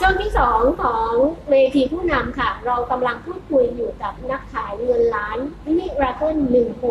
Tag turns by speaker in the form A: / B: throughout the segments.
A: ช่วงที่สองของเวทีผู้นำค่ะเรากำลังพูดคุยอยู่กับนักขายเงินล้านมิราเคิล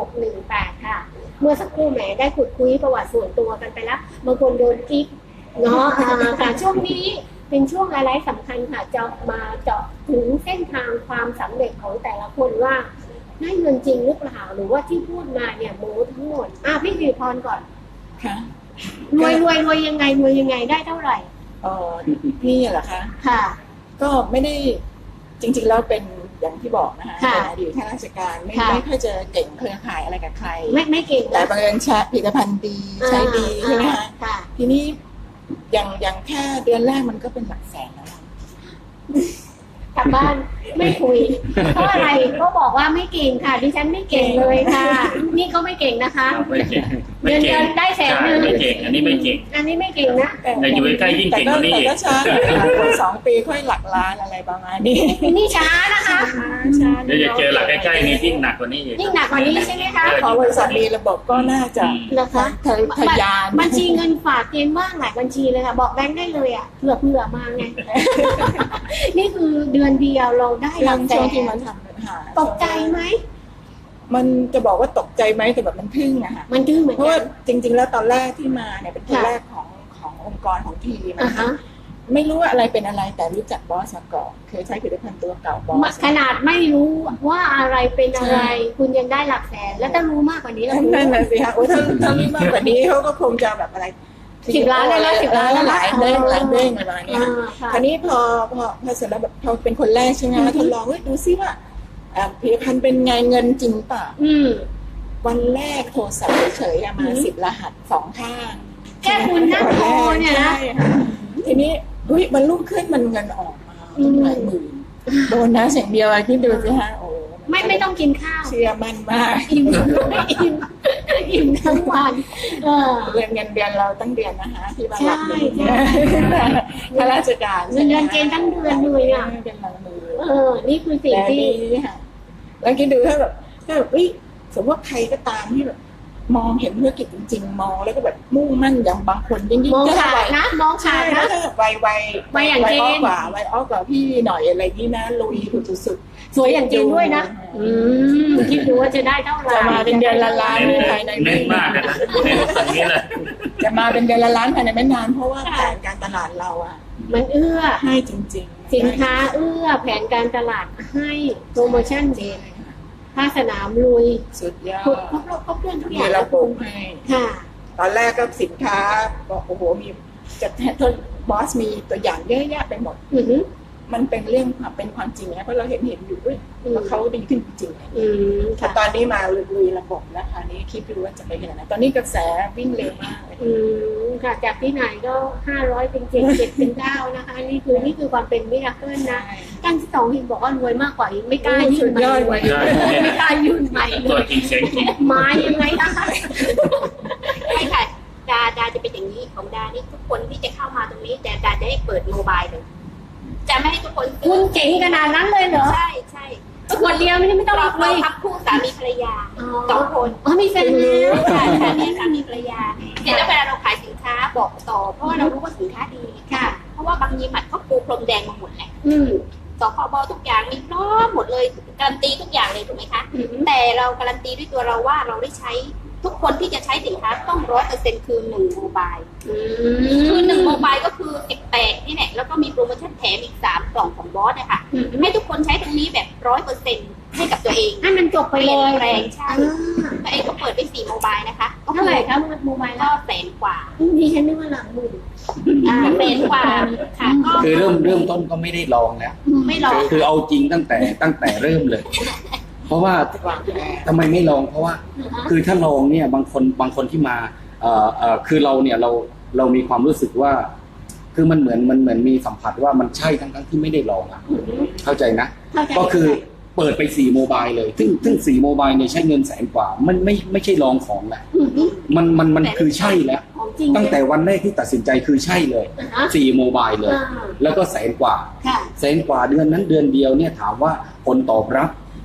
A: 1618ค่ะเมื่อสักครู่แหมได้ขุดคุยประวัติส่วนตัวกันไปแล้วบางคนโดนกิ๊กเนาะค่ะช่วงนี้เป็นช่วงอะไรสำคัญค่ะจะมาเจาะถึงเส้นทางความสำเร็จของแต่ละคนว่าได้เงินจริงหรือเปล่าหรือว่าที่พูดมาเนี่ยโม้ทั้งหมดพี่สิริพรก่อน
B: ค่ะ
A: รวยยังไงได้เท่าไหร่
B: พี่เหรอคะ
A: ค่ะ
B: ก็ไม่ได้จริงๆแล้วเป็นอย่างที่บอกนะคะเป็นอดีตข้าราชการไม่ค่อยจะเก่งเครือข่ายอะไรกับใคร
A: ไม่เก่ง
B: แต่บังเอิญใช้ผลิตภัณฑ์ดีใช้ดีใช่ไหมคะทีนี้อย่างแค่เดือนแรกมันก็เป็นหลักแสนแล้ว
A: กลับบ้านไม่คุยเพราะอะไรก็บอกว่าไม่เก่งค่ะดิฉันไม่เก่งเลยค่ะนี่ก็ไม่เก่งนะคะเดือนได้100,000
C: ไม่เก่งอันนี้ไม่เก่ง
A: นะ
C: แต่อยู่ใกล้ยิ่งเก่งกว่านี้
B: แต่ก็ช้าคน2 ปีค่อยหลักล้านอะไรประมาณนี้
A: นี่ช้านะคะ
C: เดี๋ยวจะเจอหลักใกล้ๆนี้ยิ่งหนักกว่านี้
A: ใช่ไหมคะ
B: ขอบริษัทมีระบบก็น่าจะ
A: นะคะ
B: ทะยาน
A: บัญชีเงินฝากเกณฑ์ว่างหลายบัญชีเลยค่ะบอกแบงค์ได้เลยอ่ะเผื่อมาไงนี่คือเดือนเดียวเราได้หลักแสน
B: ที่มันทำ
A: ตกใจไหม
B: มันจะบอกว่าตกใจไหมแต่แบบมันทึ่งอะค่ะ
A: มันทึ่งเหมือนกัน
B: เพราะว่าจริงๆแล้วตอนแรกที่มาเนี่ยเป็นคนแรกขององค์กรของทีมไม่รู้ว่าอะไรเป็นอะไรแต่รู้จักบอสมาก่อนเคยใช้ผลิตภัณฑ์ตัวเก่าบอส
A: ขนาดไม่รู้ว่าอะไรเป็นอะไรคุณยังได้หลักแสนแล้วถ้ารู้มากกว่านี้แล้ว
B: นั่นน่ะสิคะโอ้ถ้ารู้มากกว่านี้เขาก็คงจะแบบอะไร
A: 10 ล้านได้แล้ว10 ล้าน
B: หลายเด้งประมาณนี้คราวนี้พอเสร็จแล้วแบบพอเป็นคนแรกใช่ไหมทดลองดูซิว่าผลิตภัณฑ์เป็นไงเงินจริงป่ะวันแรกโทรศัพท์เฉยๆมา10 รหัส2 ข้าง
A: แค่คุณนั่งโทรเนี่ยนะ
B: ทีนี้มันรุ่งขึ้นมันเงินออกมาหลายหมื่นโดนนะเสียงเดียวอะไรที่ดูสิฮะโอ้
A: ไม่ต้องกินข้าว
B: เชื่อมันมาก
A: อิ่มทั้งวัน
B: เงินเดือนเราตั้งเดือนนะคะที่บ้านรับข้าราชการ
A: เงินเดือนเกณฑ์ตั้งเดือนเลยอ่ะ
B: เป็นหลังมือ
A: นี่คือสิ่งที่
B: แล้วคิดดูถ้าแบบสมมติว่าใครก็ตามที่แบบมองเห็นธุรกิจจริงๆมองแล้วก็แบบมุ่งมั่นอย่างบางคนยิ่ง
A: มองขาดนะมองขาดนะ
B: วัยอย่างเจนวัยอ้อกว่าพี่หน่อยอะไรนี่นะลุยสุด
A: สวยอย่างจริงด้วยนะคิดดูว่าจะได้เท่าไหร่
B: จะมาเป็นเดือนละล้านภายใน
C: ไม่มากนะตรงนี้แหละ
B: จะมาเป็นเดือนละล้านภายในไม่นานเพราะว่าแผนการตลาดเราอ่ะ
A: มันเอื้อ
B: ให้จริง
A: ๆสินค้าเอื้อแผนการตลาดให้โปรโมชั่นเด่นภาคสนามลุย
B: สุดยอด
A: ครบเรื่องทุกอย่าง
B: ระบบให้
A: ค่ะ
B: ตอนแรกก็สินค้าบอกโอ้โหมีจัดบอสมีตัวอย่างเยอะแยะไปหมดมันเป็นเรื่องเป็นความจริงนะเพราะเราเห็นอยู่ด้วยว่าเขาดีขึ้นจริงๆแต่ตอนนี้มาลุยระบบแล้วค่ะนี้คิดดูว่าจะไปขนาดไหนตอนนี้กระแสวิ่งเร็วมากเลย
A: ค่ะจากที่ไหนก็500เป็น7 7เป็น9นะคะนี่คือความเป็นมิราเคิลนะตั้งที่2เห็นบอกว่ารวยมากกว่าอีกไม่กล้ายื่นใหม่ไม่กล้ายื่นใหม่
C: ตัวจริงเสียงจริง
A: มายังไงนะคะ
D: ใช่ค่ะดาจะเป็นอย่างนี้ของดานี่ทุกคนที่จะเข้ามาตรงนี้แต่ดาจะให้เปิดโมบายเลยจะไม่ให้ทุกคน
A: คุณเจ๋งขนาดนั้นเลยเหรอ
D: ใช่
A: คนเดียวไม่ต้อง
D: เราทับคู่สามีภรรยา2 คน
A: มีแฟนแล้ว
D: ค่ะมีสามีภรรยาเสร็จแล้วเวลาเราขายสินค้าบอกต่อเพราะว่าเรารู้ว่าสินค้าดี
A: ค่ะ
D: เพราะว่าบางยีหมัดเขาปูพรมแดงมาหมดแหละสคบทุกอย่างมีพร้อมหมดเลยการันตีทุกอย่างเลยถูกไหมคะแต่เราการันตีด้วยตัวเราว่าเราได้ใช้ทุกคนที่จะใช้สินค้าต้อง100%คือ1โมบายคือ1โมบายก็คือ18นี่แหละแล้วก็มีโปรโมชั่นแถมอีก3 กล่องของบอสนะคะให้ทุกคนใช้ตรงนี้แบบ100%ให้กับตัวเอง
A: ให้มันจบไปเลย
D: แรงใช่ตัวเองก็เปิดไป4โมบายนะคะ
A: เท่าไหร่ครับโมบาย
D: ก็100,000 กว่า
A: ดิฉันนึกว่าหลักหมื่น
D: 100,000 กว่าค่ะ
C: คือเริ่มต้นก็ไม่ได้ลองแล้ว
D: ไม่ลอง
C: คือเอาจริงตั้งแต่เริ่มเลยเพราะว่าทำไมไม่ลองเพราะว่าคือถ้าลองเนี่ยบางคนที่มาคือเราเนี่ยเรามีความรู้สึกว่าคือมันเหมือนมีสัมผัสว่ามันใช่ทั้งที่ไม่ได้ลองอ่ะเข้าใจนะก็คือเปิดไป4โมบายเลยซึ่ง4โมบายเนี่ยใช้เงิน100,000 กว่ามันไม่ใช่ลองของแหละมันคือใช่แล้วตั้งแต่วันแรกที่ตัดสินใจคือใช่เลย4โมบายเลยแล้วก็100,000 กว่า100,000 กว่าเดือนนั้นเดือนเดียวเนี่ยถามว่าผลตอบรับ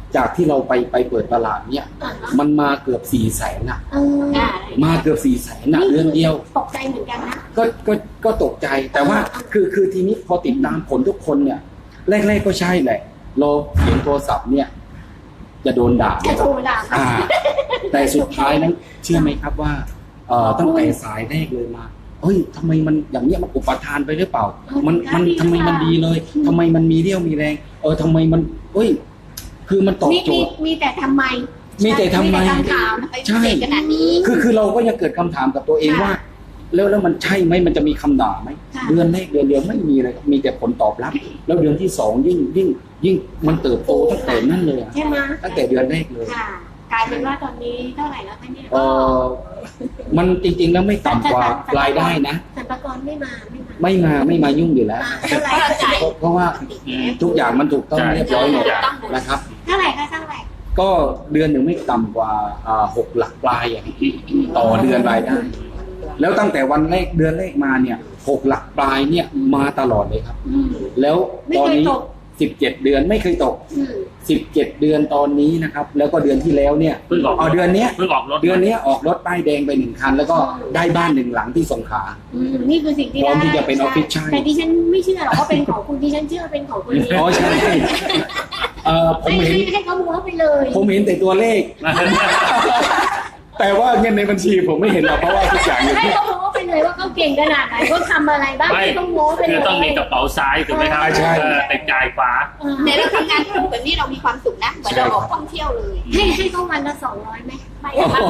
C: จากที่เราไปเปิดตลาดเนี่ยมันมาเกือบ400,000
A: เออ
C: มาเกือบ400,000เดือนเดียว
A: ตกใจเหมือนกันนะ
C: ก็ตกใจแต่ว่าคือทีนี้พอติดตามผลทุกคนเนี่ยแรกๆก็ใช่แหละเราเขียนโทรศัพท์เนี่ยจะโดนด่า
A: จะโทรด่า
C: แต่สุดท้ายนั้นเชื่อไหมครับว่าตั้งแต่สายแรกเลยมาเฮ้ยทำไมมันอย่างเนี้ยมันอุปทานไปหรือเปล่ามันทำไมมันดีเลยทำไมมันมีเรี่ยวมีแรงทำไมมันเฮ้ยคือมันตอบโจทย์
A: มีแต่ทำไม
C: มีแต่ทำไม
A: คำถาม
C: ใช่
D: ขนาดนี้
C: คือเราก็ยังเกิดคำถามกับตัวเองว่า แล้วมันใช่ไหมมันจะมีคำด่าไหมเดือนแรกเดือนเดียวไม่มีเลยมีแต่ผลตอบรับ แล้วเดือนที่2ยิ่งมันเติบโตตั้งแต่นั่นเลย
A: ใช่ไหม
C: ตั้งแต่เดือนแรกเลย
A: ค่ะกลายเป็นว่าตอนนี้เท่าไหร่แล้วคะเนี่ย
C: มันจริงๆแล้วไม่ต่ำกว่ารายได้นะ
A: สรรพากรไม่มา
C: ไม่มายุ่งอยู่แล้ว
A: เท่าไหร่
C: เพราะว่าทุกอย่างมันถูกต้องเรียบร้อยหมดนะครับ
A: เท่าไหร่คะเท่าไหร่
C: ก็เดือนหนึ่งไม่ต่ำกว่า6 หลักปลายอย่างต่อเดือนรายได้ แล้วตั้งแต่วันแรกเดือนแรกมาเนี่ย6 หลักปลายเนี่ยมาตลอดเลยครับ แล้วตอนนี้17 เดือนไม่เคยตก17 เดือนตอนนี้นะครับแล้วก็เดือนที่แล้วเนี่ย
E: เพิ่งออก
C: เดือนเนี้ย
E: เพิ่งออกรถ
C: เดือนนี้ออกรถป้ายแดงไป1 คันแล้วก็ได้บ้าน 1 หลังที่สงขลา
A: นี่คือสิ่งที่
C: พร้อมที่จะเป็นออฟฟิศใช่
A: แต่ดิฉันไม่เชื่อหรอกว่าเป็นของคุณดิฉันเชื่อเป็นของคุณ
C: อ๋อใช่ผมเห็น
A: ให้เขาม้วนไปเลย
C: ผมเห็นแต่ตัวเลข แต่ว่าเงินในบัญชีผมไม่เห็นหรอกเพราะว่าทุกอย่างอยู่
A: ให้
C: ที่
A: เขาม้วนไปเลยว่าเขาเก่งขนาดไหนเขาทำอะไรบ้าง
E: ไม่
A: ให้เขาม้วนไปเลย
E: คือต้องมีกระเป๋าซ้ายถูกไหมครับ
C: ใช่
E: แต่จ่ายขวา
D: ในเราทำงานคู่แบบนี้เรามีความสุขนะเหมือนเราออกท่องเที่ยวเลย
A: ให้เขาวันละ200ไหมไม่
C: โอ้โห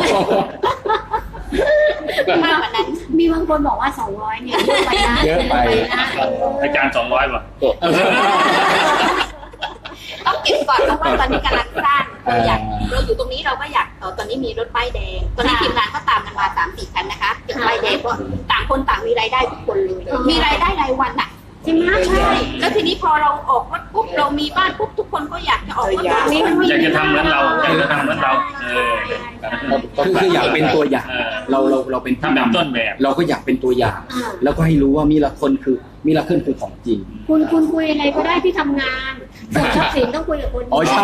D: มากกว่านั้น
A: มีบางคนบอกว่า200เนี่ยเยอะไปนะ
C: เยอะไป
E: อาจารย์200 ป่ะ
D: ต้องเก็บก่อนเพราะว่าตอนนี้กำลังสร้างเราอยู่ตรงนี้เราก็อยากตอนนี้มีรถป้ายแดงตอนนี้ทีมงานก็ตามกันมา 3-4 คันนะคะเก็บป้ายแดงก็ต่างคนต่างมีรายได้ทุกคนเลยมีรายได้รายวันอ่ะ
A: จริงไหม
D: ใช่แล้วทีนี้พอเราออกรถปุ๊บเรามีบ้านปุ๊บทุกคนก็อยากจะออกรถแบบนี้
E: อยากจะทำเหมือนเราอยากจะทำเหมือนเรา
C: คืออยากเป็นตัวอย่างเราเป็นผู้
E: ทำแบบ
C: นำ
E: ต้นแบบ
C: เราก็อยากเป็นตัวอย่าง แล้วก็ให้รู้ว่ามีละคนคือของจริง
A: คุณคุยอะไรก็ได้ที่ทำงานส่วนทรัพย์สินต้องคุยกับคน
C: อ๋อใช่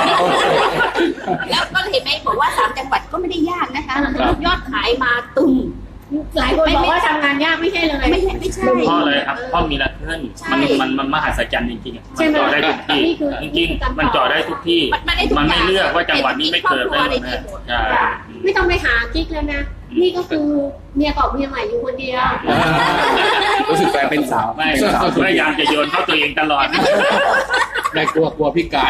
D: แล้วก็เห็นไหมบอกว่า3 จังหวัดก็ไม่ได้ยากนะคะยอดขายมาตึม
A: หลายคนบอกว่าทำงานยากไม่ใช่เลย
D: ไม่ใช่
E: เพราะอะไรครับเพราะมีละเพื่อนมันมหัศจรรย์จริงๆมันจอดได้ทุกที่จริงๆมันจอดได้ทุกที่มันไม่เลือกว่าจังหวัดนี้ไม่เกิดได้หมดนะใช่
A: ไม่ต้องไปหากิ๊กแล้วนะนี่ก็คือเมียเก่าเมียใหม่อยู่คนเดียว
C: รู้สึกแฟนเป็นสาว
E: ไม่พยายามจะโยนเข้าตัวเองตลอด
C: ไม่กลัวพี่กาย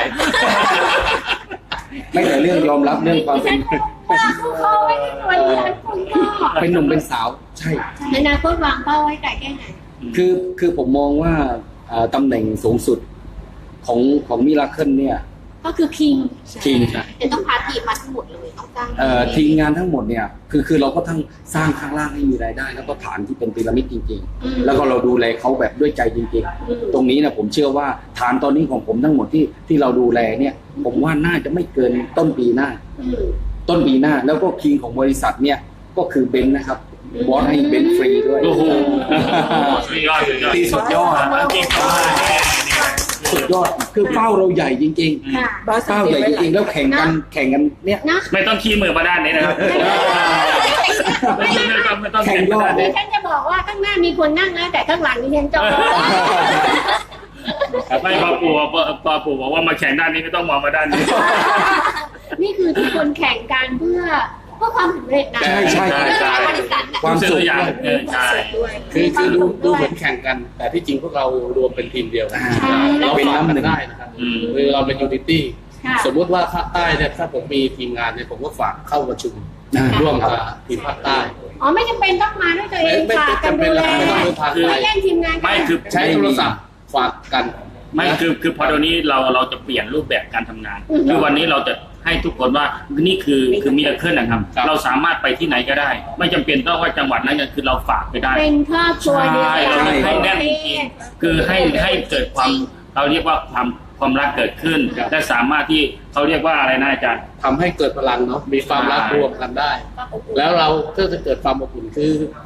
C: ไม่แต่เรื่องยอมรับเรื่องความเป็น
A: ว่าเขาไม่ได้วันนี้คุณก็
C: เป็นหนุ่มเป็นสาวใช่
A: ในอนาคตวางเป้าไว้ไกลแค่ไหน
C: คือผมมองว่าตำแหน่งสูงสุดของมิราเคิลเนี่ย
A: ก็คือคิง
C: ทีมครับ
D: จะต้องพาทีมมาทั้งหมดเลยต้องจ้าง
C: ทีมงานทั้งหมดเนี่ยคือเราก็ทั้งสร้างข้างล่างให้มีรายได้ แล้วก็ฐานที่เป็นพีระมิดจริงๆ แล้วก็เราดูแลเขาแบบด้วยใจจริงๆ ตรงนี้นะผมเชื่อว่าฐานตอนนี้ของผมทั้งหมดที่เราดูแลเนี่ย ผมว่าน่าจะไม่เกินต้นปีหน้า แล้วก็คิงของบริษัทเนี่ยก็คือเบนซ์นะครับบอสให้เบนซ์ฟรีด้วย
E: โอ้โหสุดยอด
C: ที่สุดยอด
E: จริง
C: สุดยอดคือเป้าเราใหญ่จริง
A: ค่ะ
C: ๆเป้าใหญ่จริงๆแล้วแข่งกันเนี่ย
A: นะ
E: ไม่ต้องขี้มือมาด้านนี้นะครับไม่ต้องแข่งมาด้าน
A: ดิ
E: นี้
A: ฉันจะบอกว่าข้างหน้ามีคนนั่งนะแต่ข้างหลังดิฉันจอง
E: ไม่พอปู่บอกว่ามาแข่งด้านนี้ไม่ต้องมองมาด้านนี้
A: นี่คือทุกคนแข่งกันเพื่อความสำเร็จนะ
C: ใช่
D: บริษัท
C: ความสุข
E: อย่างใช่
F: คือดูเหมือนแข่งกัน แต่ที่จริงพวกเรารวมเป็นทีมเดียวกัน เราเป็นน้ำหนึ่งได้นะครับคือเราเป็นยูนิตี้สมมุติว่าภาคใต้เนี่ยถ้าผมมีทีมงานเนี่ยผมก็ฝากเข้าประชุมร่วมกับทีมภาคใต้
A: อ๋อไม่จำเป็นต้องมาด้วยตัวเอง
F: ไม่
A: ฝากกัน
F: จำเป็
A: ดู
F: น
A: แล
F: ไม่ต้องดูทางไกล
A: ไม่แย่งทีมงานกัน
E: ไม่คือ
F: ใช้โทรศัพท์ฝากกัน
E: ไม่คือพอเดี๋ยวนี้เราจะเปลี่ยนรูปแบบการทำงานคือวันนี้เราจะให้ทุกคนว่านี่คือมิราเคิลนะครับเราสามารถไปที่ไหนก็ได้ ไม่จำเป็นต้องว่าจังหวัดนั้นคือเราฝากไปได้
A: เป็นครอบครัวเดียว
E: ใช่
A: กัน
E: เราให้แน่นจริงๆคือให้เกิดความเราเรียกว่าความรักเกิดขึ้นและสามารถที่เขาเรียกว่าอะไรนะอาจารย์
F: ทำให้เกิดพลังเนาะมีความรักรวมกันได้ แล้วเราก็จะเกิดความอบอุ่นคือ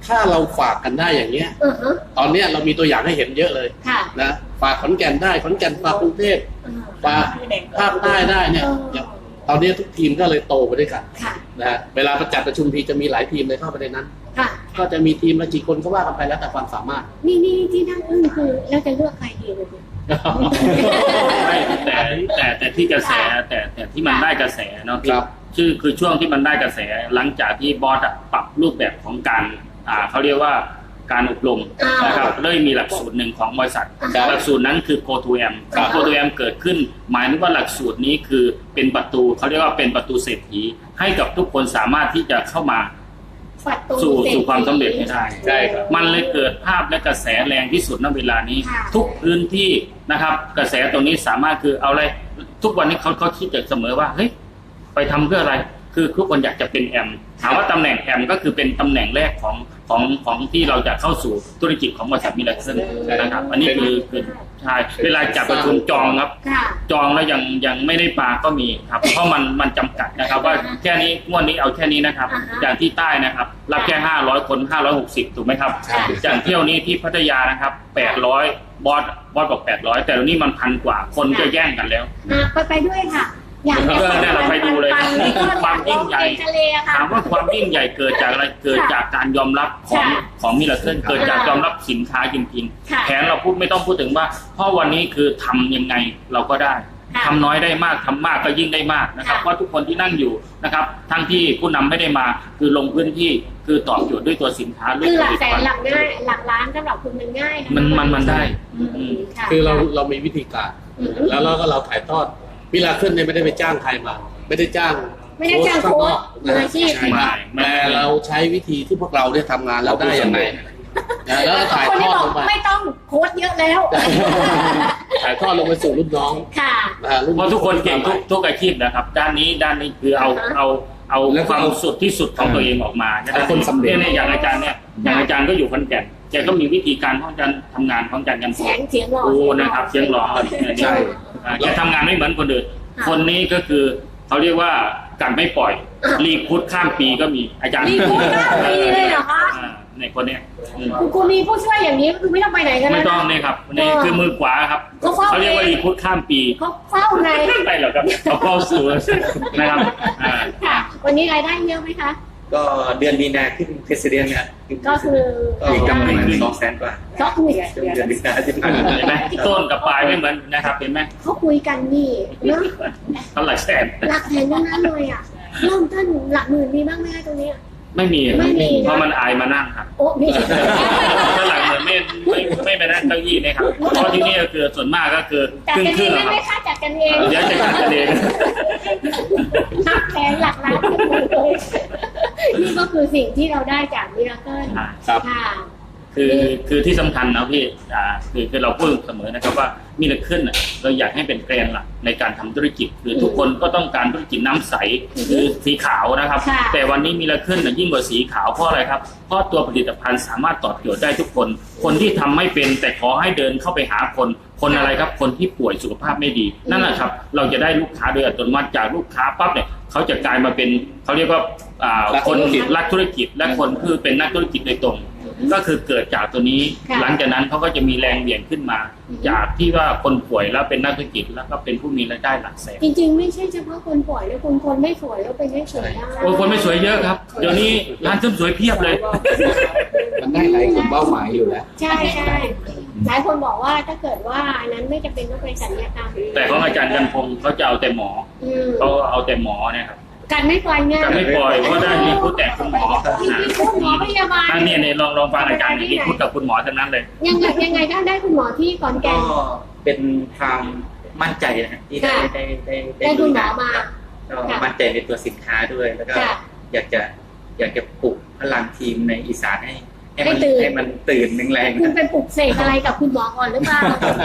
F: ถ้าเราฝากกันได้อย่างเงี้ย
A: อือฮะ
F: ตอนเนี้ยเรามีตัวอย่างให้เห็นเยอะเลย
A: ค่ะ
F: นะฝากขอนแก่นได้ขอนแก่นฝากกรุงเทพฝากภาคใต้ได้เนี่ยอย่างตอนนี้ทุกทีมก็เลยโตไปด้วยกัน
A: ค่ะ
F: นะฮะเวลาประชุมทีจะมีหลายทีมเลยเข้าไปในนั้น
A: ค่ะ
F: ก็จะมีทีมละกี่คนก็ว่ากันไปแล้วแต่ความสามารถ
A: นี่ที่นั่งอึ้งคือเราจะเลือกใครดีเลยเนี่ย
E: ไม่แต่ที่กระแสแต่ที่มันได้กระแสเนาะ
F: ครับ
E: คือช่วงที่มันได้กระแสหลังจากที่บอสอะปรับรูปแบบของการเขาเรียกว่าการอบรมนะครับเลยมีหลักสูตรหนึ่งของบริษัท หลักสูตรนั้นคือ Go to M Go to M เกิดขึ้นหมายถึงว่าหลักสูตรนี้คือเป็นประตูเขาเรียกว่าเป็นประตูเศรษฐีให้กับทุกคนสามารถที่จะเข้ามา
A: ประตู
E: สู่ความสำเร็จให้ได้
F: ใช่ครับ
E: มันเลยเกิดภาพและกระแสแรงที่สุดณเวลานี้
A: ค่ะ
E: ทุกพื้นที่นะครับกระแสตรงนี้สามารถคือเอาอะไรทุกวันนี้เขาคิดแต่เสมอว่าเฮ้ยไปทำเพื่ออะไรคือทุกคนอยากจะเป็นแอมถามว่าตำแหน่งแอมก็คือเป็นตำแหน่งแรกของที่เราจะเข้าสู่ธุรกิจของบริษัทมิลเลอร์นะครับอันนี้คือใช่เวลาจัดประชุมจองครับ
A: ค่ะ
E: จองแล้วยังไม่ได้ปลาก็มีครับ เพราะมันจำกัดนะครับ ว่าแค่นี้งวดนี้เอาแค่นี้นะครับ อย่างที่ใต้นะครับ รับแค่500 คน560ถูกไหมครับ
A: ใช่
E: อย่างเที่ยวนี้ที่พัทยานะครับ800บอสบอก800แต่ตอนนี้มัน1,000 กว่าคนจะแย่งกันแล้ว
A: ไปด้วยค่ะ อยาก
E: เนี่ยเราไปดูเลยครับความยิ่งใหญ่
A: ทะเลอะค่ะ
E: ถามว่าความยิ่งใหญ่เกิดจากอะไรเกิดจากการยอมรับของมิลเลอร์เกิดจากยอมรับสินค้าจริงๆแผนเราไม่ต้องพูดถึงว่าเพราะวันนี้คือทำยังไงเราก็ได้ทำน้อยได้มากทำมากก็ยิ่งได้มากนะครับเพราะทุกคนที่นั่งอยู่นะครับทั้งที่ผู้นำไม่ได้มาคือลงพื้นที่คือตอบโจทย์ด้วยตัวสินค้า
A: คือหลักแสนหลักง่ายหลักล้านสำหรับคุณมันง่ายนะ
E: มันได้
A: ค่ะ
F: คือเรามีวิธีการ แล้วเราถ่ายทอดมิลาเคิลเนี่ยไม่ได้ไปจ้างใครมา ไม่ได้จ้าง
A: โค้ชมืออาชีพ
F: ใช่ไหมแต่เราใช้วิธีที่พวกเราได้ทำงานแล้วได้ยังไงแล้วก็ถ่าย
A: คน
F: ท
A: ที่
F: อด
A: บอ
F: ล
A: ก
F: งไป
A: ไม่ต้องโค้ชเยอะแล้ว
F: ถ่ายทอดลงไปสู่รุ่นน้อง
A: ค่ะ
E: เพราะทุกคนเก่งทุกอาชีพนะครับด้านนี้คือเอาความสุดที่สุดของตัวเองออกมานะครับคนสำเร็จเนี่ยอย่างอาจารย์เนี่ยอย่างอาจารย์ก็อยู่ขอนแก่นแกก็มีวิธีการของการทำงานของอาจารย์กัน
A: เสียงหล่อ
E: โอ้นะครับเสียงหล่อแกทำงานไม่เหมือนคนอื่นคนนี้ก็คือเขาเรียกว่าการไม่ปล่อยรีพุทข้ามปีก็มีอาจารย์
A: รีพุทข้ามปีเลยเหรอคะ
E: ในคนเนี้ย
A: คุณมีผู้ช่วยอย่างนี้คือไม่ต้องไปไหนกัน
E: ไม่
A: แล้ว
E: ต้องเนี่ยครับนี่คือมือขวาครับเขาเรียกว่ารีพุทข้ามปี
A: เขาเฝ้าไง
E: ไปหรอครับเขาเข้าสู่นะครับ
A: ค่ะ วันนี้รายได้เยอะไหมคะ
G: ก็เดือนมีนาขึ้นเพรสเดียนเนี่ย
A: ก็คือ
G: มีกำไร200,000 กว่า
A: ก็คุย
G: ช่วงเดือนมีนาที่ผ่านมา
E: เห็นไหมต้นกับปลายไม่เหมือนนะครับเห็นไหม
A: เขาคุยกันนี่เนาะ
E: เท่าไหร่แสน
A: หลักแสนทั้งนั้นเลยอ่ะเริ่มต้นหลักหมื่นมีบ้างไหมตรงนี้
E: ไม่มี
A: ไม่มี
E: เพราะมันอายมานั่งครับ
A: โอ้มี
E: ถ้าหลังเหมือนไม่ไปนั่งเก้าอี้นะครับเพราะที่นี่ก็คือส่วนมากก็คือ
A: จัด
E: ครึ่ง
A: กัน
E: ค
A: เอ
E: รึ่
A: ง
E: ง
A: ได้
E: ครับ
A: ไหมคะจัดกันเอง
E: เดี๋ยวจะจัดกันเอง
A: หลักแสนหลักล้านเลยนี่ก็คือสิ่งที่เราได้จากมิราเคิล
F: ครับ
A: ค่ะ
E: คือที่สำคัญนะพี่คือเราพูดเสมอนะครับว่ามิลเลอร์เคิลเราอยากให้เป็นแกรนหลักในการทำธุรกิจคือทุกคนก็ต้องการธุรกิจน้ำใสคือสีขาวนะครับ แต่วันนี้มิลเลอร์เคิลยิ่งกว่าสีขาวเพราะอะไรครับเพราะตัวผลิตภัณฑ์สามารถตอบโจทย์ได้ทุกคนคนที่ทำไม่เป็นแต่ขอให้เดินเข้าไปหาคนอะไรครับคนที่ป่วยสุขภาพไม่ดีนั่นแหละครับเราจะได้ลูกค้าโดยอัตโนมัติจากลูกค้าปั๊บเนี่ยเขาจะกลายมาเป็นเขาเรียกว่าคนรักธุรกิจและคนคือเป็นนักธุรกิจโดยตรงก็คือเกิดจากตัวนี้หลังจากนั้นเขาก็จะมีแรงเบี่ยงขึ้นมาจากที่ว่าคนป่วยแล้วเป็นนักธุรกิจแล้วก็เป็นผู้มีรายได้หลักแสน
A: จริงๆไม่ใช่เฉพาะคนป่วยนะคนไม่สวยแล้วเป็นไม่สวยได้
E: โอ้คนไม่สวยเยอะครับเดี๋ยวนี้ร้านเสริมสวยเพียบเลย
C: มันได้หลายกลุ่มเป้าหมายอยู่แล้ว
A: ใช่ใช่หลายคนบอกว่าถ้าเกิดว่าอันนั้นไม่จำเป็นต้องไปศัลยกรรม
E: แต่ของอาจารย์กันพงศ์เขาจะเอาแต่หมอเขาเอาแต่หมอเนี่ยครับ
A: กันไม่ปล่อยงาน
E: กันไม่ปล่อยเพราะได้มีพูดแต่คุณหมอ
A: มีคุณหมอพยาบาล
E: ท่านเนี่ยลองฟังอาจารย์มีพูดกับคุณหมอทั้งนั้นเลย
A: ยังไงก็ได้คุณหมอที่ขอนแก่
G: ก็
A: น
G: เป็นความมั่นใจนะครับที่ได้
A: ได้คุณหมอมา
G: ก็มั่นใจในตัวสินค้าด้วย แล้วก็
A: ค่ะ
G: อยากจะปลุกพลังทีมในอีสานให้มัน
A: ให้ตื่น
G: ให้มันตื่นแรง
A: คุณเป็นปลุกเสกอะไรกับคุณหมอก่อนหรือเปล่า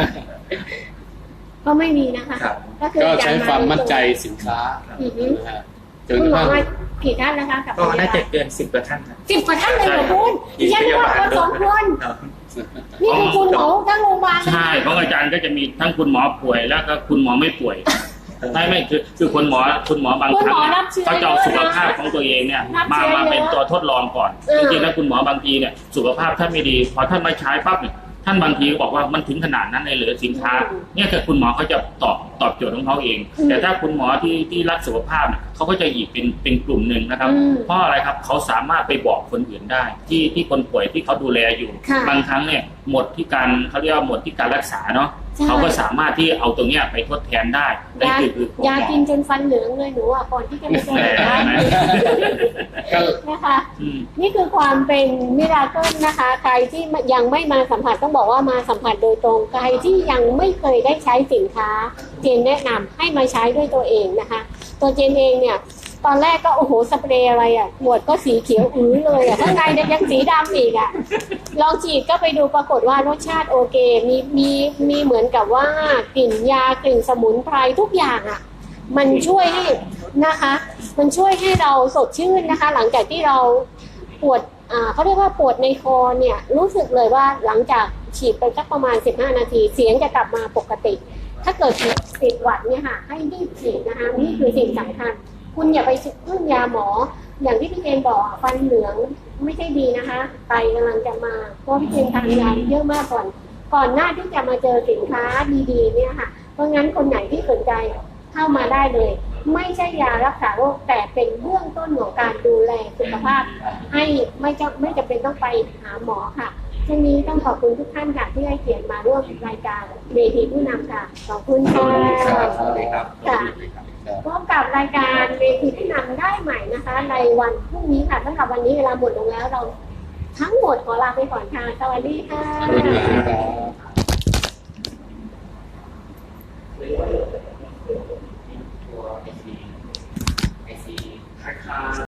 A: ก็ไม่มีนะคะ
G: ครับ
A: คือ
F: ก็ใช้ความมั่นใจสินค้า
A: อือฮึ
F: นะฮะจน
A: คุ
F: ก
A: ณ
F: ระ
A: หมอ
F: ทั่ง
A: มากี่ท่านนะคะกับ
G: ก็น่าจะเกิน10 กว่าท่านนะ
A: 10 กว่าท่านเลยเหรอคุณดิฉันว่าคนสองคน
G: ครับ
A: นี่คือคุณหมอทั้งโรงพยาบาล
E: ใช่ของอาจารย์ก็จะมีทั้งคุณหมอป่วยแล้วก็คุณหมอไม่ป่วยไม่คือคุณหมอบางครั้งเขาจะเอาสุขภาพของตัวเองเนี่ยมาเป็นตัวทดลองก่อนจริงๆแล้วคุณหมอบางทีเนี่ยสุขภาพท่านไม่ดีพอท่านมาใช้ปั๊บเนี่ยท่านบางทีบอกว่ามันถึงขนาดนั้นเลยเหลือสินค้าเนี่ยคือคุณหมอเขาจะตอบโจทย์ของเขาเองแต่ถ้าคุณหมอที่รักสุขภาพเนี่ยเขาก็จะอีกเป็นกลุ่มหนึ่งนะครับเพราะอะไรครับเขาสามารถไปบอกคนอื่นได้ที่คนป่วยที่เขาดูแลอยู่บางครั้งเนี่ยหมดที่การเขาเรียกว่าหมดที่การรักษาเนาะเขาก็สามารถที่เอาตรงเนี้ยไปทดแทนได้คือย
A: ากินจนฟันเหลืองเลยหนูอ่ะก่อนที่จะมาเจอร้านนะคะนี่คือความเป็นมิราเคิลนะคะใครที่ยังไม่มาสัมผัสต้องบอกว่ามาสัมผัสโดยตรงใครที่ยังไม่เคยได้ใช้สินค้าเจนแนะนำให้มาใช้ด้วยตัวเองนะคะตัวเจนเองเนี่ยตอนแรกก็โอ้โหสเปรย์อะไรอ่ะขวดก็สีเขียวเลยอ่ะข้างในยังสีดำอีกอ่ะลองฉีดก็ไปดูปรากฏว่ารสชาติโอเคมีเหมือนกับว่ากลิ่นยากลิ่นสมุนไพรทุกอย่างอ่ะมันช่วยให้นะคะมันช่วยให้เราสดชื่นนะคะหลังจากที่เราปวดเขาเรียกว่าปวดในคอเนี่ยรู้สึกเลยว่าหลังจากฉีดไปสักประมาณ15นาทีเสียงจะกลับมาปกติถ้าเกิดติดหวัดเนี่ยค่ะให้รีบฉีดนะคะนี่คือสิ่งสำคัญคุณอย่าไปพึ่งยาหมออย่างที่พี่เจนบอกฟันเหลืองไม่ใช่ดีนะคะไตกำลังจะมาเพราะพี่เจนทานยาเยอะมากก่อนหน้าที่จะมาเจอสินค้าดีๆเนี่ยค่ะเพราะงั้นคนไหนที่สนใจเข้ามาได้เลยไม่ใช่ยารักษาโรคแต่เป็นเบื้องต้นของการดูแลสุขภาพให้ไม่จำเป็นต้องไปหาหมอค่ะช่วงนี้ต้องขอบคุณทุกท่านค่ะที่ให้เกียรติมาร่วมรายการเวทีผู้นำค่ะขอบคุณค่ะ
C: สวัสดีครับ
A: ค่ะพบกับรายการเวทีผู้นำได้ใหม่นะคะในวันพรุ่งนี้ค่ะสำหรับวันนี้เวลาหมดลงแล้วเราทั้งหมดขอลาไปก่อนค่ะสวัสดีค่ะ